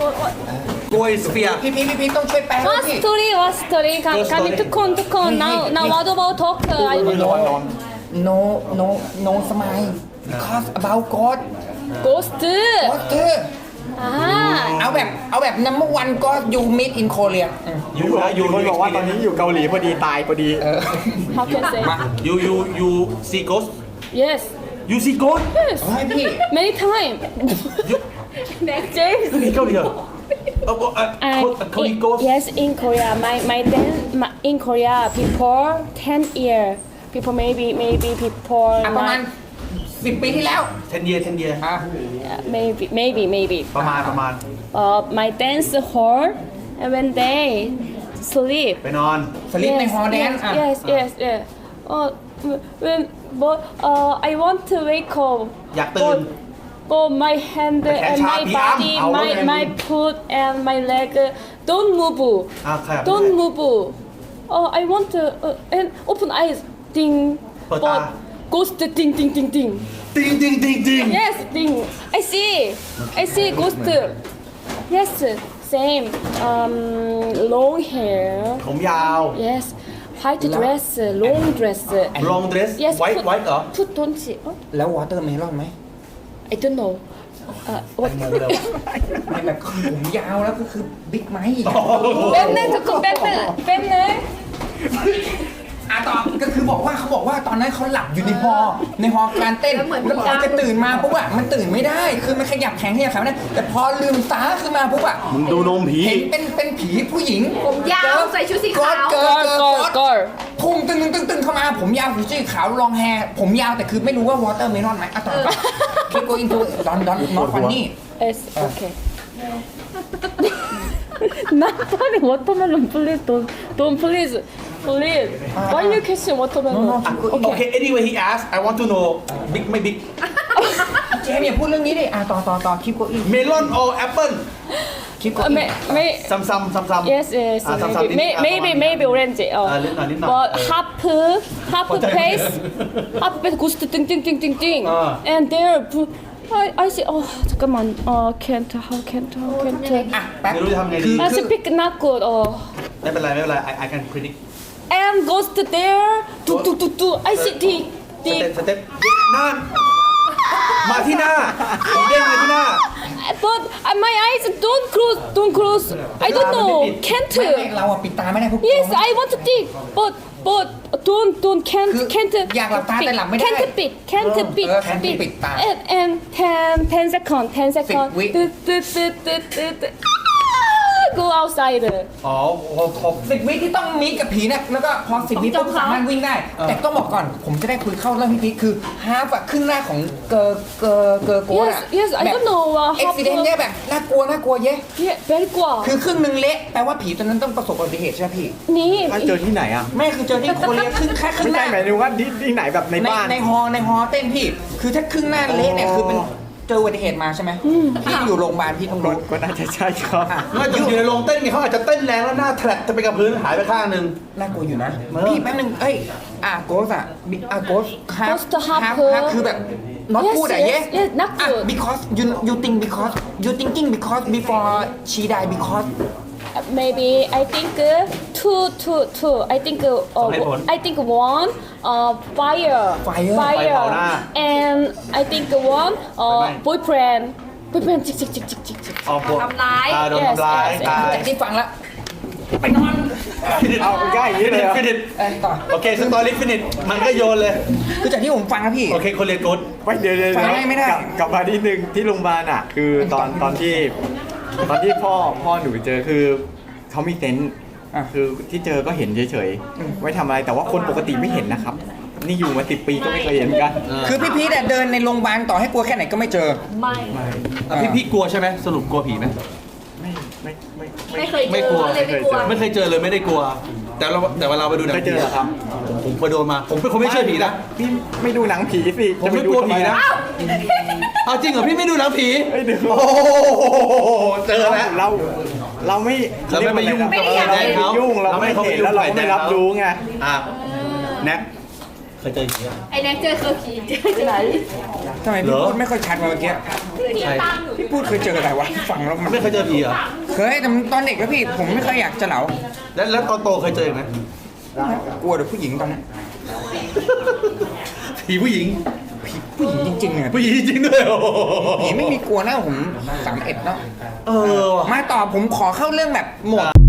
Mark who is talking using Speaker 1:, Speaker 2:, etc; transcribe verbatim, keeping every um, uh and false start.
Speaker 1: โกยสเฟียร์
Speaker 2: พี่พี่พี่พี่ต้องช่วยแปลด้วย
Speaker 3: What
Speaker 2: พี่
Speaker 3: story? What story? Can, can you to con to con? Now, now what about talk? I don't know.
Speaker 2: no no no smile because about God
Speaker 3: Ghost.
Speaker 2: God เธอ
Speaker 3: Ah.
Speaker 2: เอาแบบเอาแบบ number one God you meet in Korea
Speaker 1: ยูนะยู
Speaker 4: คนบอกว่าตอนนี้อยู่เกาหลีพอดีตายพอดี
Speaker 3: How can I say?
Speaker 1: ยูยูยูซีโกส
Speaker 3: Yes.
Speaker 1: ยูซีโกส
Speaker 3: Yes.
Speaker 2: ให้พี่
Speaker 3: Many time. Next James.
Speaker 1: นี่เกาหลีเหรอเออเออ
Speaker 3: I,
Speaker 1: เกาหลีโกส
Speaker 3: yes, in Korea, my my then my, in Korea, people ten year, people maybe maybe people
Speaker 2: อ่ะประมาณ
Speaker 3: nine,
Speaker 2: สิบปีที่แล้ว
Speaker 1: ten year ten year
Speaker 2: อ่ะ
Speaker 3: maybe maybe maybe.
Speaker 1: ประมาณประมาณ
Speaker 3: Uh, my dance hall, and when they sleep.
Speaker 1: ไปนอน
Speaker 2: สลิปในฮอลแดน
Speaker 3: yes,
Speaker 2: อ่ะ
Speaker 3: yes, yes, yes. Uh, when but uh, I want to wake up.
Speaker 1: อยากตื่น
Speaker 3: But, but my hand
Speaker 1: แต่แขน
Speaker 3: and
Speaker 1: ชา
Speaker 3: my
Speaker 1: พี่อ้ำ
Speaker 3: body,
Speaker 1: เอาแล้ว
Speaker 3: my
Speaker 1: ไง
Speaker 3: my foot and my leg uh, don't move.
Speaker 1: อ่ะขยับ
Speaker 3: Don't move. Oh, I want to uh, and open eyes. Ding.
Speaker 1: เปิดตา
Speaker 3: But ghost ding ding ding ding.
Speaker 1: ติงติงติงติง
Speaker 3: Yes, ding. I see. I see ghost. Yes, same. Um, long hair.
Speaker 1: ผมยาว
Speaker 3: Yes, white dress, long dress.
Speaker 1: long dress
Speaker 3: Yes,
Speaker 1: white
Speaker 3: put-
Speaker 1: white เหรอ
Speaker 3: Put don't see. Oh,
Speaker 2: แล้ววอเตอร์เมลอนไหม
Speaker 3: I don't know. Uh, what?
Speaker 2: ไม่แบบผมยาวแล้วก็คือบิ๊กไมค์
Speaker 3: 뱀네 듣고 뱀네 뱀네.
Speaker 2: อ่ะต่อก็คือบอกว่าเขาบอกว่าตอนนั้นเขาหลับอยู่ในฮอในฮอการเต้นแล้วพอจะตื่นมาปุ๊บอะมันตื่นไม่ได้ คือมันขยับแขนขยับขาไม่ได้แต่พอลืมตาขึ้นมาปุ๊บอะ
Speaker 1: มึงดูนมผี
Speaker 2: เห็นเป็นเป็นผีผู้หญิง
Speaker 5: ผมยาวใส่ชุดสีขาว
Speaker 2: เกิร์ลเกิร์ล
Speaker 3: Girl,
Speaker 2: เกิร์ล
Speaker 3: girl, girl.
Speaker 2: พุ่งตึงตึงตึงตึงเข้ามาผมยาวผมสีขาวลองแฮร์ผมยาวแต่คือไม่รู้ว่าวอเตอร์เมลอนไหมอ่ะต่อคิดโกอินทูดอนดอนนอตฟันนี่
Speaker 3: Yes, okay. Not funny. Watermelon, please don't, don't please, please. Why you kissing watermelon?
Speaker 1: okay anyway he asked I want to know big ไม่ big
Speaker 2: เจมส์อย่าพูดเรื่องนี้ดิอ่ะต่อต่อต่อคิดโกอิน
Speaker 1: melon or apple
Speaker 2: คิดโก
Speaker 3: Uh,
Speaker 2: อิน
Speaker 3: may, may,
Speaker 1: ซ้ำซ้ำซ้ำซ้ำ
Speaker 3: yes, yes,
Speaker 1: อ่ะซ้ำซ้ำ
Speaker 3: maybe, may, maybe, maybe orange.
Speaker 1: อ่ะ
Speaker 3: Uh,
Speaker 1: นิดหน่อยนิดหน่อย
Speaker 3: but half, half face, half face goes to ding, ding, ding, ding, ding.
Speaker 1: Ah.
Speaker 3: And there, I, I see. Oh, 잠깐만. Oh, can't. How can't? How can't?
Speaker 2: อ่ะแป๊บ
Speaker 1: ไม่รู้จะทำไงดี
Speaker 3: I speak not good. Oh.
Speaker 1: ไม่เป็นไรไม่เป็นไร I I can predict
Speaker 3: And goes to there. Do do do do. I see the
Speaker 1: สเต็ป
Speaker 3: the.
Speaker 1: สเต็ปนั่นมาที่หน้าผีเด้งมาที่หน้า
Speaker 3: But uh, my eyes don't close. Don't close. I don't know.
Speaker 2: ไม่ไม่
Speaker 3: Can't.
Speaker 2: เราอะปิดตาไม่ได้พวก
Speaker 3: Yes, I want to think. But but don't don't can't
Speaker 2: คือ
Speaker 3: can't.
Speaker 2: อยากหลับตาแต่หลับไม่ได้
Speaker 3: Can't beat. Can't beat.
Speaker 2: เออ can't ปิดตา
Speaker 3: And and ten ten second. Ten second.
Speaker 2: วิ
Speaker 3: ตึ๊ดตึ๊ดตึ๊ดตึ๊ดตึ๊ดตึ๊ด Go outside.
Speaker 1: อ๋อผม
Speaker 2: สิบวิที่ต้องมีกับผีเนี่ยแล้วก็พอสิบวิปุ๊บสามารถวิ่งได้ แต่ต้องบอกก่อน ผมจะได้คุยเข้าเรื่องพี่พีคคือฮาร์ฟอะครึ่งหน้าของเกอร์เกอร์เกอร์โกด
Speaker 3: Yes
Speaker 2: อะ
Speaker 3: yes. I don't know. Uh,
Speaker 2: เอ็กซิเดนต์เนี่ยแบบน่ากลัวน่ากลัวเย้
Speaker 3: Yeah, very กว่า
Speaker 2: คือครึ่งหนึ่งเละแปลว่าผีตอนนั้นต้องประสบอุบัติเหตุใช่ไหมพี่
Speaker 3: นี่
Speaker 4: ถ้าเจอที่ไหนอ่ะ
Speaker 2: ไม่คือเจอที่โคเรียครึ่งแค่ครึ่
Speaker 4: ไม่
Speaker 2: งห
Speaker 4: ใช่
Speaker 2: น้า
Speaker 4: หมายถึงว่าที่ที่ไหนแบบใน
Speaker 2: ใน
Speaker 4: บ้าน
Speaker 2: ในฮอในฮอเต้นพี่ คือถ้าครึ่งหน้าเละเนี่ยคือเป็นเจออุบัติเหตุมาใช่ไหมพี่อยู่โรงพยาบาลพี่ต้อง
Speaker 4: ก็
Speaker 2: รู้
Speaker 4: ก็น่าจะใช่ครับ
Speaker 1: น่าจะอยู่ในโรงเต้นไงเขาอาจจะเต้นแรงแล้วหน้าแทรกจะไปกับพื้นหายไปข้างหนึ่ง
Speaker 2: น่ากลัวอยู่นะ
Speaker 1: เออ
Speaker 2: พี่แป๊บนึงเอ้ยอ่ะโกสอ่ะอ่ะโกสฮาร์ฟ
Speaker 3: Ghost half
Speaker 2: ฮาร์ฟฮาร์ฟคือแบบ not
Speaker 3: Yes,
Speaker 2: good อ่ะ
Speaker 3: yes,
Speaker 2: เย้
Speaker 3: yes, not
Speaker 2: อ่ะ
Speaker 3: good.
Speaker 2: because you you think because you thinking because before she die because
Speaker 3: Maybe I think uh, two, two, two. I think uh,
Speaker 1: สองเหตุผล
Speaker 3: I think one uh fire,
Speaker 2: Fire
Speaker 1: ไฟเผาหน้า
Speaker 3: and I think one
Speaker 1: ไฟ
Speaker 3: uh
Speaker 1: ไหม้
Speaker 3: boyfriend, boyfriend. Chick, chick, chick, chick, chick, chick.
Speaker 1: ออกบท
Speaker 5: ทำร้าย
Speaker 1: อ่าโดน
Speaker 3: Yes,
Speaker 1: ทำร้าย
Speaker 3: yes, yes.
Speaker 1: ตาย
Speaker 2: จากที่ฟังแล้วไปนอน
Speaker 4: เอาง่ายอย่างนี้เลยเหรอ
Speaker 1: ฟินิช
Speaker 2: เอ้ยต่อ
Speaker 1: โอเคสตอรี่ฟินิชมันก็โยนเลย
Speaker 2: คือจากที่ผมฟังนะพี่
Speaker 1: โอเคคนเรียนกู๊ด
Speaker 4: ไม่เดี๋ยวเดี๋ยว
Speaker 2: ฟังได้ไม่ได้
Speaker 4: กลับกลับมาที่หนึ่งที่โรงพยาบาลอ่ะ คือตอนตอนที่ตอนที่พ่อพ่อหนูเจอคือเขามีเซนส์
Speaker 2: อ่ะ
Speaker 4: คือที่เจอก็เห็นเฉยๆไม่ทำอะไรแต่ว่าคนปกติไม่เห็นนะครับ นี่อยู่มาสิบปีก็ไม่เคยเห็นกัน
Speaker 2: คือพี่พีทเดินในโรงพยาบาลต่อให้กลัวแค่ไหนก็ไม่เจอ
Speaker 5: ไม่
Speaker 1: อ่ะพี่พี่กลัวใช่ไหมสรุปกลัวผีไหม
Speaker 4: ไม่ไม่ไม่
Speaker 5: ไม่เคยเจ
Speaker 1: ไม่
Speaker 5: อก
Speaker 1: ลัว
Speaker 5: เลยไม่กลัว
Speaker 1: ไม่เคยเจอเลยไม่ได้กลัว แต่เราแต่เวลาไปดูหนัง
Speaker 4: เคยเจอเหรอครับ
Speaker 1: ผมผมไปโดนมา ผมเป็นคนไม่เชื่อผีนะ
Speaker 4: พี่ไม่ดูหนังผีสิ
Speaker 1: ผมไม่
Speaker 4: จะปดู
Speaker 1: กลัว
Speaker 4: ทำ
Speaker 1: ผี
Speaker 4: ไม
Speaker 1: นะ
Speaker 4: อ่
Speaker 1: เอาจริงเหรอพี่ไม่ดูหนังผี
Speaker 4: ไม่ดู
Speaker 1: โอ้โหเจอแล้ว
Speaker 4: เราเราไม่
Speaker 1: เราไม่ไปยุ่ง
Speaker 4: เรา
Speaker 5: ไม่ได้อยาก
Speaker 4: ไม่
Speaker 1: เห็น
Speaker 4: ยุ่งเราไม่เห็นแล้วเราก็ไม่รับรู้ไง
Speaker 1: อ่ะแนะยเจออย่างนี้อะ
Speaker 5: ไอ้แน็กเจอคือผีเจอที่ไหน
Speaker 2: ทำไมพี่
Speaker 1: เหรอ
Speaker 2: พูดไม่ค่อยชัดมาเมื่อกี้
Speaker 1: ใช่
Speaker 2: พี่พูดเคยเจออะไรวะฟังแล้วมัน
Speaker 1: ไม่เคยเจอผีเหรอ
Speaker 2: เคยแต่ตอนเด็กแล้วพี่ผมไม่เคยอยากจะเหลา
Speaker 1: แล้วแล้วตอนโตเคยเจอไหม
Speaker 2: กลัวแต่ผู้หญิงตอนนั้น
Speaker 1: ผีผู้หญิง
Speaker 2: ผู้หญิงจริงๆเนี่ย
Speaker 1: ผู้หญิงจริงๆด้วยโอ้โห
Speaker 2: ผีไม่มีกลัวนะผมสามเอ็ดเนาะ
Speaker 1: เออว่ะ
Speaker 2: มาต่อผมขอเข้าเรื่องแบบหมด